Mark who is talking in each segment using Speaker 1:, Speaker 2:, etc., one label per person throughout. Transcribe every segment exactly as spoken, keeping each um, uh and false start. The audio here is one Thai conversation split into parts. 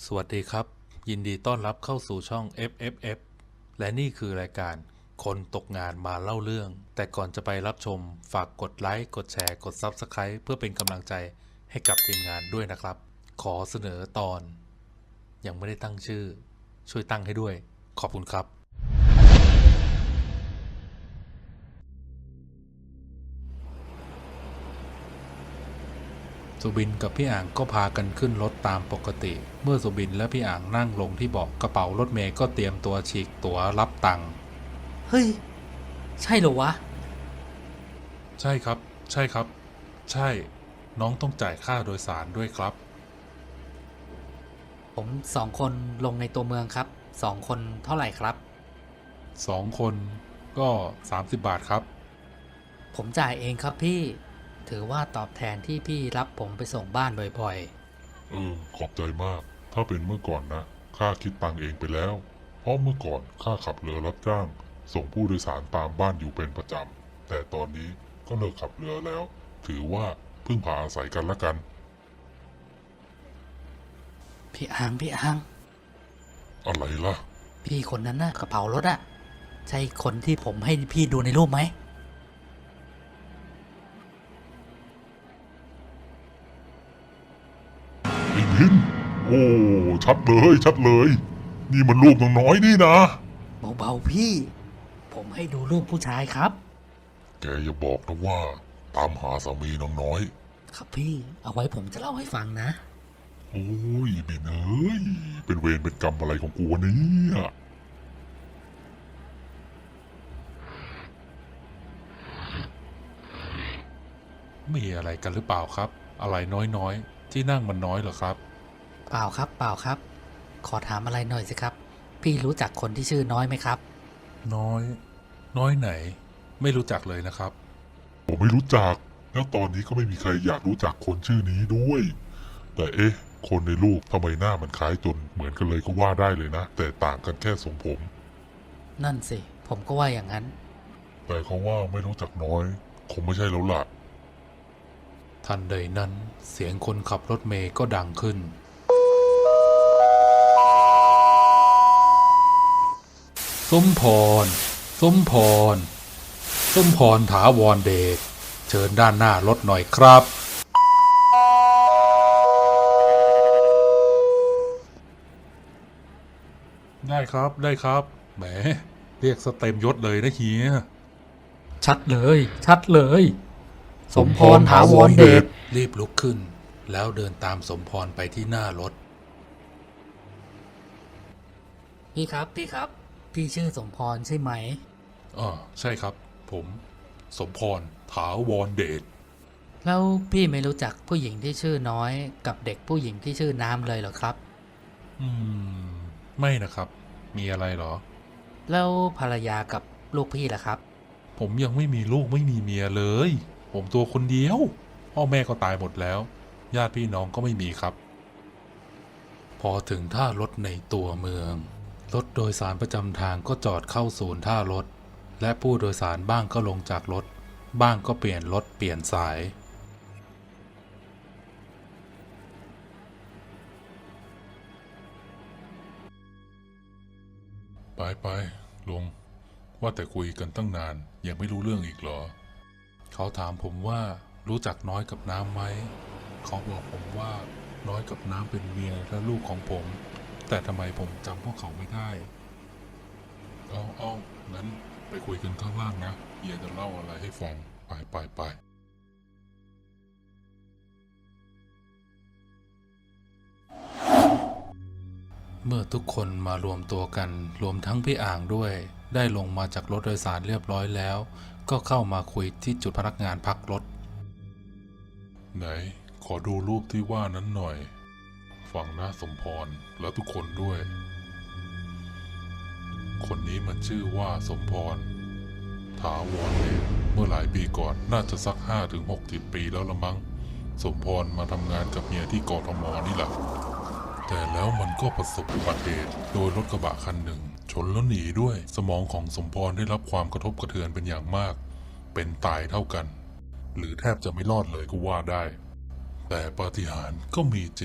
Speaker 1: สวัสดีครับยินดีต้อนรับเข้าสู่ช่อง เอฟ เอฟ เอฟ และนี่คือรายการคนตกงานมาเล่าเรื่องแต่ก่อนจะไปรับชมฝากกดไลค์กดแชร์กด ซับสไครบ์ เพื่อเป็นกำลังใจให้กับทีมงานด้วยนะครับขอเสนอตอนยังไม่ได้ตั้งชื่อช่วยตั้งให้ด้วยขอบคุณครับสุบินกับพี่อ่างก็พากันขึ้นรถตามปกติเมื่อสุบินและพี่อ่างนั่งลงที่เบาะกระเป๋ารถเมย์ก็เตรียมตัวฉีกตั๋วรับตังค์
Speaker 2: เฮ้ยใช่เหรอวะ
Speaker 1: ใช่ครับใช่ครับใช่น้องต้องจ่ายค่าโดยสารด้วยครับ
Speaker 2: ผมสองคนลงในตัวเมืองครับสองคนเท่าไหร่ครับ
Speaker 1: สองคนก็สามสิบบาทครับ
Speaker 2: ผมจ่ายเองครับพี่ถือว่าตอบแทนที่พี่รับผมไปส่งบ้านบ่อย
Speaker 3: เออขอบใจมาก ถ้าเป็นเมื่อก่อนนะข้าคิดตังค์เองไปแล้ว เพราะเมื่อก่อนข้าขับเรือรับจ้างส่งผู้โดยสารตามบ้านอยู่เป็นประจำ แต่ตอนนี้ก็เลิกขับเรือแล้ว ถือว่าพึ่งพาอาศัยกันละกัน
Speaker 2: ๆพี่อังพี่อัง
Speaker 3: อะไรล่ะ
Speaker 2: พี่คนนั้นน่ะกระเป๋ารถอะใช่คนที่ผมให้พี่ดูในรูปไหม
Speaker 3: ไอ้พินโอ้ชัดเลยชัดเลย นี่มันรูปน้องน้อยนี่นะ
Speaker 2: เบาๆพี่ผมให้ดูรูปผู้ชายครับ
Speaker 3: แกอย่าบอกนะว่า ตามหาสามีน้องน้อย
Speaker 2: ครับพี่เอาไว้ผมจะเล่าให้ฟังนะ
Speaker 3: โอ้ยเบนเอ้ยเป็นเวรเป็นกรรมอะไรของกูวะเนี่ย
Speaker 1: มีอะไรกันหรือเปล่าครับอะไรน้อยๆที่นั่งมันน้อยเหรอครับ
Speaker 2: เปล่าครับเปล่าครับขอถามอะไรหน่อยสิครับพี่รู้จักคนที่ชื่อน้อยไหมครับ
Speaker 1: น้อยน้อยไหนไม่รู้จักเลยนะครับ
Speaker 3: ผมไม่รู้จัก แล้วตอนนี้ก็ไม่มีใครอยากรู้จักคนชื่อนี้ด้วย แต่เอ๊ะ คนในรูปทำไมหน้ามันคล้ายจนเหมือนกันเลยก็ว่าได้เลยนะ แต่ต่างกันแค่ทรงผม
Speaker 2: นั่นสิผมก็ว่าอย่างนั้น
Speaker 3: แต่เขาว่าไม่รู้จักน้อย คงไม่ใช่แล้วล่ะ
Speaker 1: ทันใดนั้นเสียงคนขับรถเมย์ก็ดังขึ้นสมพรสมพรสมพรถาวรเดชเชิญด้านหน้ารถหน่อยครับได้ครับได้ครับแหมเรียกสเต็มยศเลยนะเฮีย
Speaker 2: ชัดเลยชัดเลยสมพรถาวรเดช
Speaker 1: รีบลุกขึ้นแล้วเดินตามสมพรไปที่หน้ารถ
Speaker 2: พี่ครับพี่ครับพี่ชื่อสมพรใช่ไหม
Speaker 1: อ๋อใช่ครับผมสมพรถาวรเดช
Speaker 2: แล้วพี่ไม่รู้จักผู้หญิงที่ชื่อน้อยกับเด็กผู้หญิงที่ชื่อน้ำเลยเหรอครับ
Speaker 1: อืมไม่นะครับมีอะไรเหรอ
Speaker 2: แล้วภรรยากับลูกพี่ล่ะครับ
Speaker 1: ผมยังไม่มีลูกไม่มีเมียเลยผมตัวคนเดียวพ่อแม่ก็ตายหมดแล้วญาติพี่น้องก็ไม่มีครับพอถึงท่ารถในตัวเมืองรถโดยสารประจำทางก็จอดเข้าศูนย์ท่ารถและผู้โดยสารบ้างก็ลงจากรถบ้างก็เปลี่ยนรถเปลี่ยนสายไปไปลุงว่าแต่คุยกันตั้งนานยังไม่รู้เรื่องอีกเหรอเขาถามผมว่ารู้จักน้อยกับน้ำไหมเขาบอกผมว่าน้อยกับน้ำเป็นเมียและลูกของผมแต่ทำไมผมจำพวกเขาไม่ได้เอาเอางั้นไปคุยกันข้างล่างนะเฮียจะเล่าอะไรให้ฟังไปไปไปเมื่อทุกคนมารวมตัวกันรวมทั้งพี่อ่างด้วยได้ลงมาจากรถโดยสารเรียบร้อยแล้วก็เข้ามาคุยที่จุดพนักงานพักรถไหนขอดูรูปที่ว่านั้นหน่อยฟังนะสมพรและทุกคนด้วยคนนี้มันชื่อว่าสมพรถาวรเดชเมื่อหลายปีก่อนน่าจะสักห้าถึงหกสิบปีแล้วละมั้งสมพรมาทำงานกับเมียที่กทมนี่แหละแต่แล้วมันก็ประสบอุบัติเหตุโดยรถกระบะคันหนึ่งชนแล้วหนีด้วยสมองของสมพรได้รับความกระทบกระเทือนเป็นอย่างมากเป็นตายเท่ากันหรือแทบจะไม่รอดเลยก็ว่าได้แต่ปาฏิหาริย์ก็มีจริง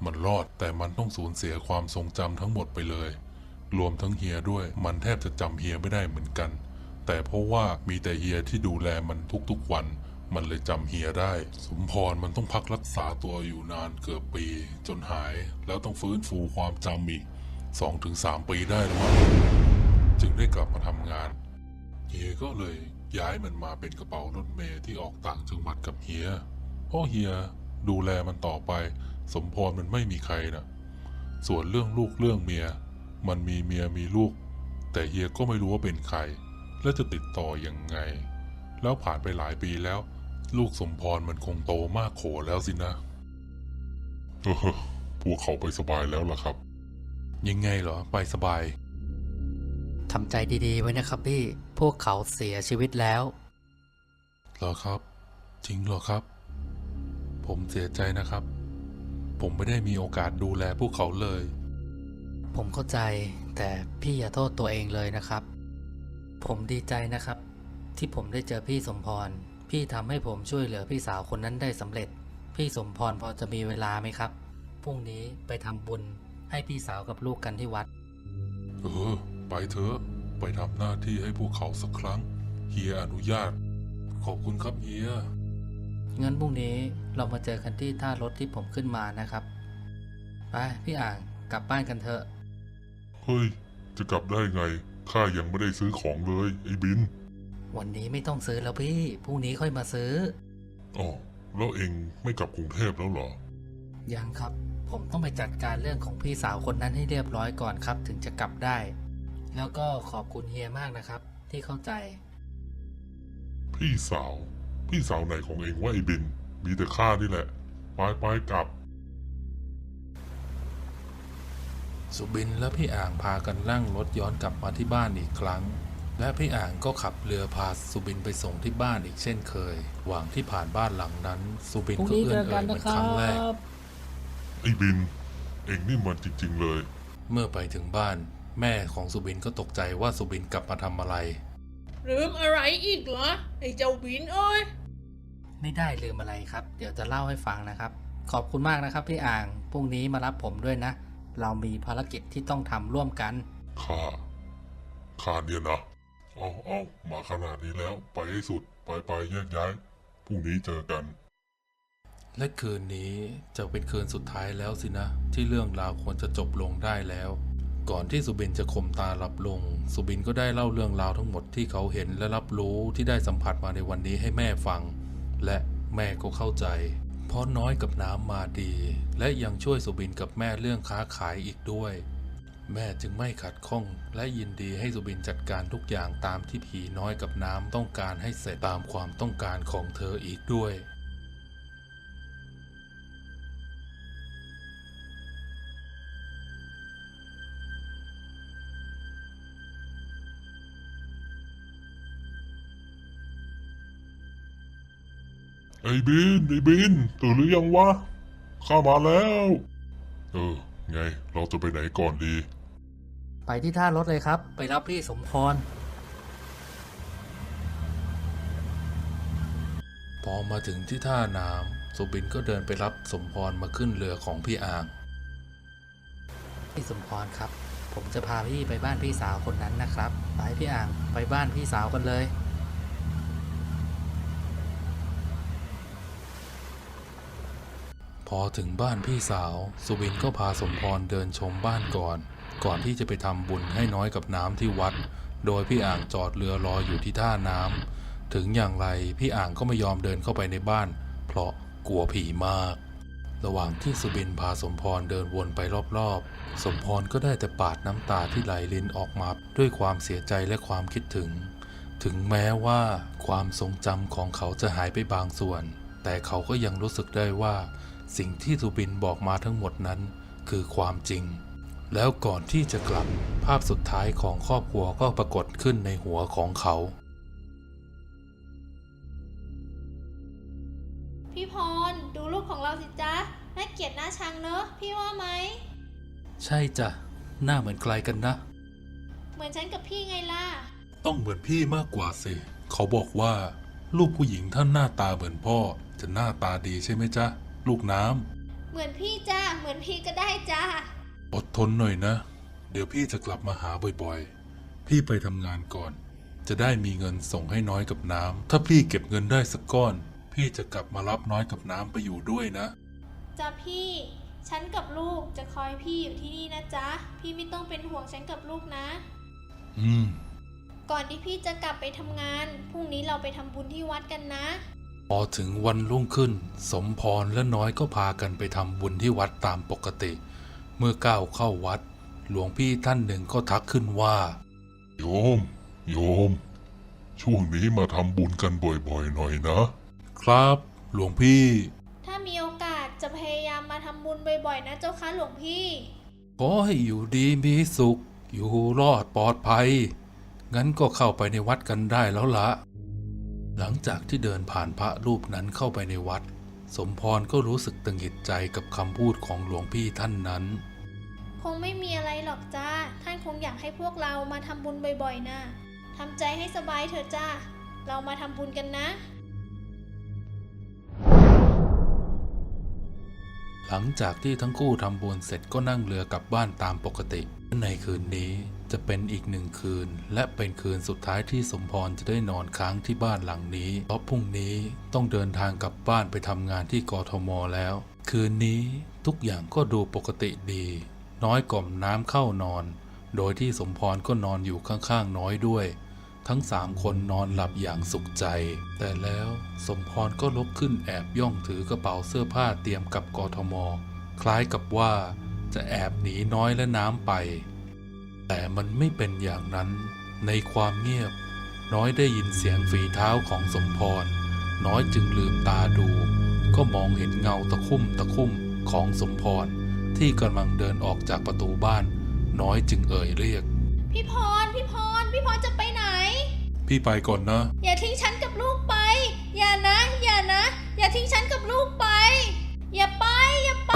Speaker 1: มันรอดแต่มันต้องสูญเสียความทรงจำทั้งหมดไปเลยรวมทั้งเฮียด้วยมันแทบจะจำเฮียไม่ได้เหมือนกันแต่เพราะว่ามีแต่เฮียที่ดูแลมันทุกๆวันมันเลยจำเฮียได้สมพรมันต้องพักรักษาตัวอยู่นานเกือบปีจนหายแล้วต้องฟื้นฟูความจำอีก สองถึงสาม ปีได้แล้วมั้งจึงได้กลับมาทำงานเฮียก็เลยย้ายมันมาเป็นกระเป๋ารถเมล์ที่ออกต่างจังหวัดกับเฮียเพราะเฮียดูแลมันต่อไปสมพรมันไม่มีใครนะส่วนเรื่องลูกเรื่องเมียมันมีเมียมีลูกแต่เฮียก็ไม่รู้ว่าเป็นใครและจะติดต่อยังไงแล้วผ่านไปหลายปีแล้วลูกสมพรมันคงโตมากโขแล้วสินะเออพวกเขาไปสบายแล้วล่ะครับยังไงเหรอไปสบาย
Speaker 2: ทำใจดีๆไว้นะครับพี่พวกเขาเสียชีวิตแล้ว
Speaker 1: เหรอครับจริงเหรอครับผมเสียใจนะครับผมไม่ได้มีโอกาสดูแลพวกเขาเลย
Speaker 2: ผมเข้าใจแต่พี่อย่าโทษตัวเองเลยนะครับผมดีใจนะครับที่ผมได้เจอพี่สมพรพี่ทำให้ผมช่วยเหลือพี่สาวคนนั้นได้สำเร็จพี่สมพรพอจะมีเวลาไหมครับพรุ่งนี้ไปทำบุญให้พี่สาวกับลูกกันที่วัด
Speaker 1: เออไปเถอะไปทำหน้าที่ให้พวกเขาสักครั้งเฮียอนุญาตขอบคุณครับเฮีย
Speaker 2: งั้นพรุ่งนี้เรามาเจอกันที่ท่ารถที่ผมขึ้นมานะครับไปพี่อ่างกลับบ้านกันเถอะ
Speaker 3: เฮ้ยจะกลับได้ไงข้ายังไม่ได้ซื้อของเลยไอ้บิน
Speaker 2: วันนี้ไม่ต้องซื้อแล้วพี่พรุ่งนี้ค่อยมาซื้อ
Speaker 3: อ๋อแล้วเองไม่กลับกรุงเทพแล้วเหรอ
Speaker 2: ยังครับผมต้องไปจัดการเรื่องของพี่สาวคนนั้นให้เรียบร้อยก่อนครับถึงจะกลับได้แล้วก็ขอบคุณเฮียมากนะครับที่เข้าใจ
Speaker 3: พี่สาวพี่สาวไหนของเองว่าไอ้บินมีแต่ข้านี่แหละไปไปกลับ
Speaker 1: สุบินและพี่อ่างพากันนั่งรถย้อนกลับมาที่บ้านอีกครั้งและพี่อ่างก็ขับเรือพาสุบินไปส่งที่บ้านอีกเช่นเคยหวังที่ผ่านบ้านหลังนั้นสุบินก็เอื้อนเอ่ยเหมือนครั้งแรก
Speaker 3: ไอ้บินเองนี่มันจริงๆเลย
Speaker 1: เมื่อไปถึงบ้านแม่ของสุบินก็ตกใจว่าสุบินกลับมาทำอะไร
Speaker 4: ลืมอะไรอีกเหรอไอ้เจ้าบินเอ้ย
Speaker 2: ไม่ได้ลืมอะไรครับเดี๋ยวจะเล่าให้ฟังนะครับขอบคุณมากนะครับพี่อ่างพรุ่งนี้มารับผมด้วยนะเรามีภารกิจที่ต้องทำร่วมกัน
Speaker 3: ข้าข้าเนี่ยนะเอาเอามาขนาดนี้แล้วไปให้สุดไปไปแยกย้ายพรุ่งนี้เจอกัน
Speaker 1: และคืนนี้จะเป็นคืนสุดท้ายแล้วสินะที่เรื่องราวควรจะจบลงได้แล้วก่อนที่สุบินจะข่มตาหลับลงสุบินก็ได้เล่าเรื่องราวทั้งหมดที่เขาเห็นและรับรู้ที่ได้สัมผัสมาในวันนี้ให้แม่ฟังและแม่ก็เข้าใจเพราะน้อยกับน้ำมาดีและยังช่วยสุบินกับแม่เรื่องค้าขายอีกด้วยแม่จึงไม่ขัดข้องและยินดีให้สุบินจัดการทุกอย่างตามที่ผีน้อยกับน้ำต้องการให้เสร็จตามความต้องการของเธออีกด้วย
Speaker 3: ไอ้บินไอ้บินตื่นหรือยังวะข้ามาแล้วเออไงเราจะไปไหนก่อนดี
Speaker 2: ไปที่ท่ารถเลยครับไปรับพี่สมพร
Speaker 1: พอมาถึงที่ท่าน้ำสุบินก็เดินไปรับสมพรมาขึ้นเรือของพี่อ่าง
Speaker 2: พี่สมพรครับผมจะพาพี่ไปบ้านพี่สาวคนนั้นนะครับไปพี่อ่างไปบ้านพี่สาวกันเลย
Speaker 1: พอถึงบ้านพี่สาวสุบินก็พาสมพรเดินชมบ้านก่อนก่อนที่จะไปทำบุญให้น้อยกับน้ำที่วัดโดยพี่อ่างจอดเรือรออยู่ที่ท่าน้ำถึงอย่างไรพี่อ่างก็ไม่ยอมเดินเข้าไปในบ้านเพราะกลัวผีมากระหว่างที่สุบินพาสมพรเดินวนไปรอบๆสมพรก็ได้แต่ปาดน้ำตาที่ไหลรินออกมาด้วยความเสียใจและความคิดถึงถึงแม้ว่าความทรงจำของเขาจะหายไปบางส่วนแต่เขาก็ยังรู้สึกได้ว่าสิ่งที่สุบินบอกมาทั้งหมดนั้นคือความจริงแล้วก่อนที่จะกลับภาพสุดท้ายของครอบครัวก็ปรากฏขึ้นในหัวของเขา
Speaker 4: พี่พรดูรูปของเราสิจ๊ะน่าเกลียดน่าชังเนอะพี่ว่าไหม
Speaker 1: ใช่จ้ะหน้าเหมือนใครกันนะ
Speaker 4: เหมือนฉันกับพี่ไงล่ะ
Speaker 1: ต้องเหมือนพี่มากกว่าสิเขาบอกว่าลูกผู้หญิงท่านหน้าตาเหมือนพ่อจะหน้าตาดีใช่ไหมจ๊ะลูกน้
Speaker 4: ำเหมือนพี่จ้าเหมือนพี่ก็ได้จ้า
Speaker 1: อดทนหน่อยนะ เดี๋ยวพี่จะกลับมาหาบ่อยๆ พี่ไปทำงานก่อน จะได้มีเงินส่งให้น้อยกับน้ำ ถ้าพี่เก็บเงินได้สักก้อน พี่จะกลับมารับน้อยกับน้ำไปอยู่ด้วยนะ
Speaker 4: จ้าพี่ ฉันกับลูกจะคอยพี่อยู่ที่นี่นะจ๊ะ พี่ไม่ต้องเป็นห่วงฉันกับลูกนะ
Speaker 1: อืม
Speaker 4: ก่อนที่พี่จะกลับไปทำงาน พรุ่งนี้เราไปทำบุญที่วัดกันนะ
Speaker 1: พอถึงวันรุ่งขึ้น สมพรและน้อยก็พากันไปทำบุญที่วัดตามปกติ เมื่อก้าวเข้าวัด หลวงพี่ท่านหนึ่งก็ทักขึ้นว่า
Speaker 3: โยม โยม ช่วงนี้มาทำบุญกันบ่อยๆหน่อยนะ
Speaker 1: ครับ หลวงพี่
Speaker 4: ถ้ามีโอกาสจะพยายามมาทำบุญบ่อยๆนะเจ้าค่ะหลวงพี่
Speaker 1: ขอให้อยู่ดีมีสุข อยู่รอดปลอดภัย งั้นก็เข้าไปในวัดกันได้แล้วละ หลังจากที่เดินผ่านพระรูปนั้นเข้าไปในวัด สมพรก็รู้สึกตึงหิดใจกับคำพูดของหลวงพี่ท่านนั้น
Speaker 4: คงไม่มีอะไรหรอกจ้า ท่านคงอยากให้พวกเรามาทำบุญบ่อยๆนะทำใจให้สบายเถอะจ้า เรามาทำบุญกันนะ
Speaker 1: หลังจากที่ทั้งคู่ทำบุญเสร็จก็นั่งเรือกลับบ้านตามปกติ ในคืนนี้จะเป็นอีกหนึ่งคืน และเป็นคืนสุดท้ายที่สมพรจะได้นอนค้างที่บ้านหลังนี้ เพราะพรุ่งนี้ต้องเดินทางกลับบ้านไปทำงานที่กทมแล้ว คืนนี้ทุกอย่างก็ดูปกติดี น้อยกล่อมน้ำเข้านอน โดยที่สมพรก็นอนอยู่ข้างๆน้อยด้วย ทั้งสามคนนอนหลับอย่างสุขใจ แต่แล้วสมพรก็ลุกขึ้นแอบย่องถือกระเป๋าเสื้อผ้าเตรียมกลับกทม คล้ายกับว่าจะแอบหนีน้อยและน้ำไป แต่มันไม่เป็นอย่างนั้น ในความเงียบ น้อยได้ยินเสียงฝีเท้าของสมพร น้อยจึงลืมตาดู ก็มองเห็นเงาตะคุ่มตะคุ่มของสมพร ที่กำลังเดินออกจากประตูบ้าน น้อยจึงเอ่ยเรียก
Speaker 4: พี่พร พี่พร พี่พรจะไปไหน
Speaker 1: พี่ไปก่อนนะ
Speaker 4: อย่าทิ้งฉันกับลูกไป อย่านะ อย่านะ อย่าทิ้งฉันกับลูกไป อย่าไป อย่าไป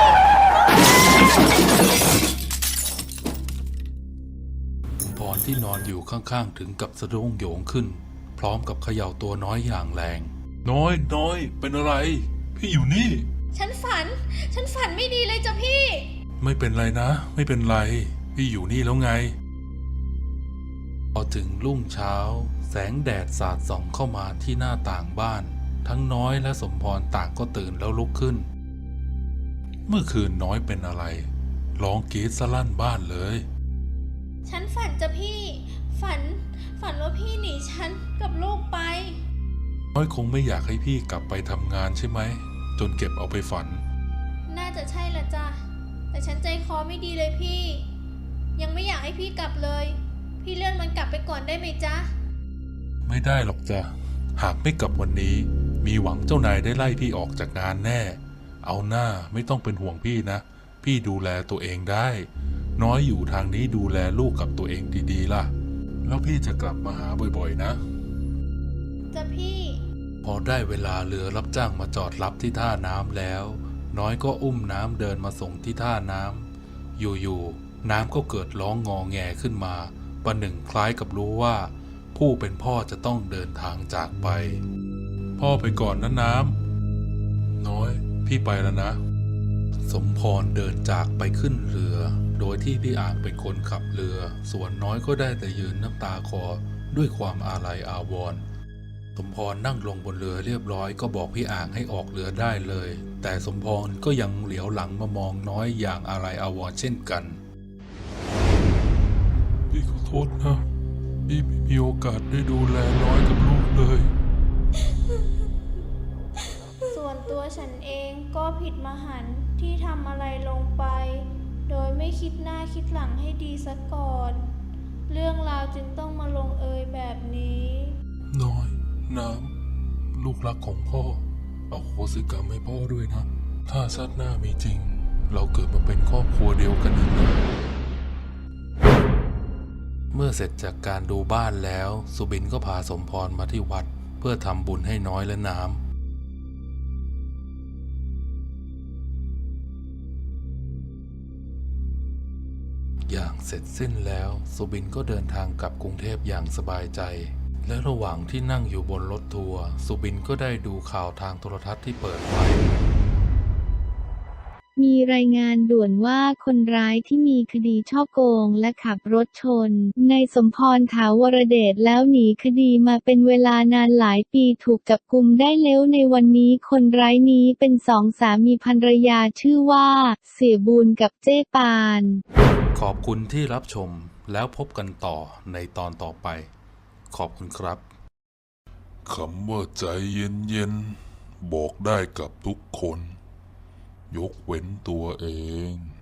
Speaker 1: พรที่นอนอยู่ข้างๆถึงกับสะดุ้งโหยงขึ้น พร้อมกับเขย่าตัวน้อยอย่างแรง น้อยน้อยเป็นอะไร พี่อยู่นี่
Speaker 4: ฉันฝัน ฉันฝันไม่ดีเลยจ้ะพี่
Speaker 1: ไม่เป็นไรนะ ไม่เป็นไร พี่อยู่นี่แล้วไง พอถึงรุ่งเช้า แสงแดดสาดส่องเข้ามาที่หน้าต่างบ้าน ทั้งน้อยและสมพรต่างก็ตื่นแล้วลุกขึ้น เมื่อคืนน้อยเป็นอะไรร้องกรีดสลั่นบ้านเลย
Speaker 4: ฉันฝันจ้ะพี่ ฝัน ฝันว่าพี่หนีฉันกับลูกไป
Speaker 1: น้อยคงไม่อยากให้พี่กลับไปทำงานใช่ไหม จนเก็บเอาไปฝัน
Speaker 4: น่าจะใช่ละจ้ะ แต่ฉันใจคอไม่ดีเลยพี่ ยังไม่อยากให้พี่กลับเลย พี่เลื่อนมันกลับไปก่อนได้ไหมจ๊ะ
Speaker 1: ไม่ได้หรอกจ้ะ หากไม่กลับวันนี้ มีหวังเจ้านายได้ไล่พี่ออกจากงานแน่ เอาหน้าไม่ต้องเป็นห่วงพี่นะ พี่ดูแลตัวเองได้ น้อยอยู่ทางนี้ดูแลลูกกับตัวเองดีๆล่ะ แล้วพี่จะกลับมาหาบ่อยๆนะ
Speaker 4: จ้ะพี่
Speaker 1: พอได้เวลาเรือรับจ้างมาจอดรับที่ท่าน้ำแล้ว น้อยก็อุ้มน้ำเดินมาส่งที่ท่าน้ำอยู่ๆน้ำก็เกิดร้องงอแงขึ้นมาประหนึ่งคล้ายกับรู้ว่า ผู้เป็นพ่อจะต้องเดินทางจากไป พ่อไปก่อนนะน้ำน้อยพี่ไปแล้วนะ สมพรเดินจากไปขึ้นเรือ โดยที่พี่อ่างเป็นคนขับเรือ ส่วนน้อยก็ได้แต่ยืนน้ำตาคลอด้วยความอาลัยอาวรณ์สมพรนั่งลงบนเรือเรียบร้อยก็บอกพี่อ่างให้ออกเรือได้เลย แต่สมพรก็ยังเหลียวหลังมามองน้อยอย่างอาลัยอาวรณ์เช่นกัน พี่ขอโทษนะพี่ไม่มีโอกาสได้ดูแลน้อยกับลูกเลย
Speaker 4: ส่วนตัวฉันเองก็ผิดมหันต์ที่ทำอะไรลงไป โดยไม่คิดหน้าคิดหลังให้ดีซะก่อน เรื่องราวจึงต้องมาลงเอยแบบนี้
Speaker 1: น้อย น้ำ ลูกรักของพ่อ เอาโหสิกรรมให้พ่อด้วยนะ ถ้าชาติหน้ามีจริง เราเกิดมาเป็นครอบครัวเดียวกันอีกนะเมื่อเสร็จจากการดูบ้านแล้ว สุบินก็พาสมพรมาที่วัด เพื่อทำบุญให้น้อยและน้ำ อย่างเสร็จสิ้นแล้วสุบินก็เดินทางกลับกรุงเทพอย่างสบายใจ และระหว่างที่นั่งอยู่บนรถทัวร์สุบินก็ได้ดูข่าวทางโทรทัศน์ที่เปิดไว้
Speaker 5: มีรายงานด่วนว่าคนร้ายที่มีคดีฉ้อโกงและขับรถชนนายสมพรถาวรเดชแล้วหนีคดีมาเป็นเวลานานหลายปีถูกจับกุมได้แล้วในวันนี้คนร้ายนี้เป็นสองสามีภรรยาชื่อว่าเสียบูลกับเจ้ปาน
Speaker 1: ขอบคุณที่รับชมแล้วพบกันต่อในตอนต่อไป ขอบคุณครับคำว่าใจเย็นๆบอกได้กับทุกคน ยกเว้นตัวเอง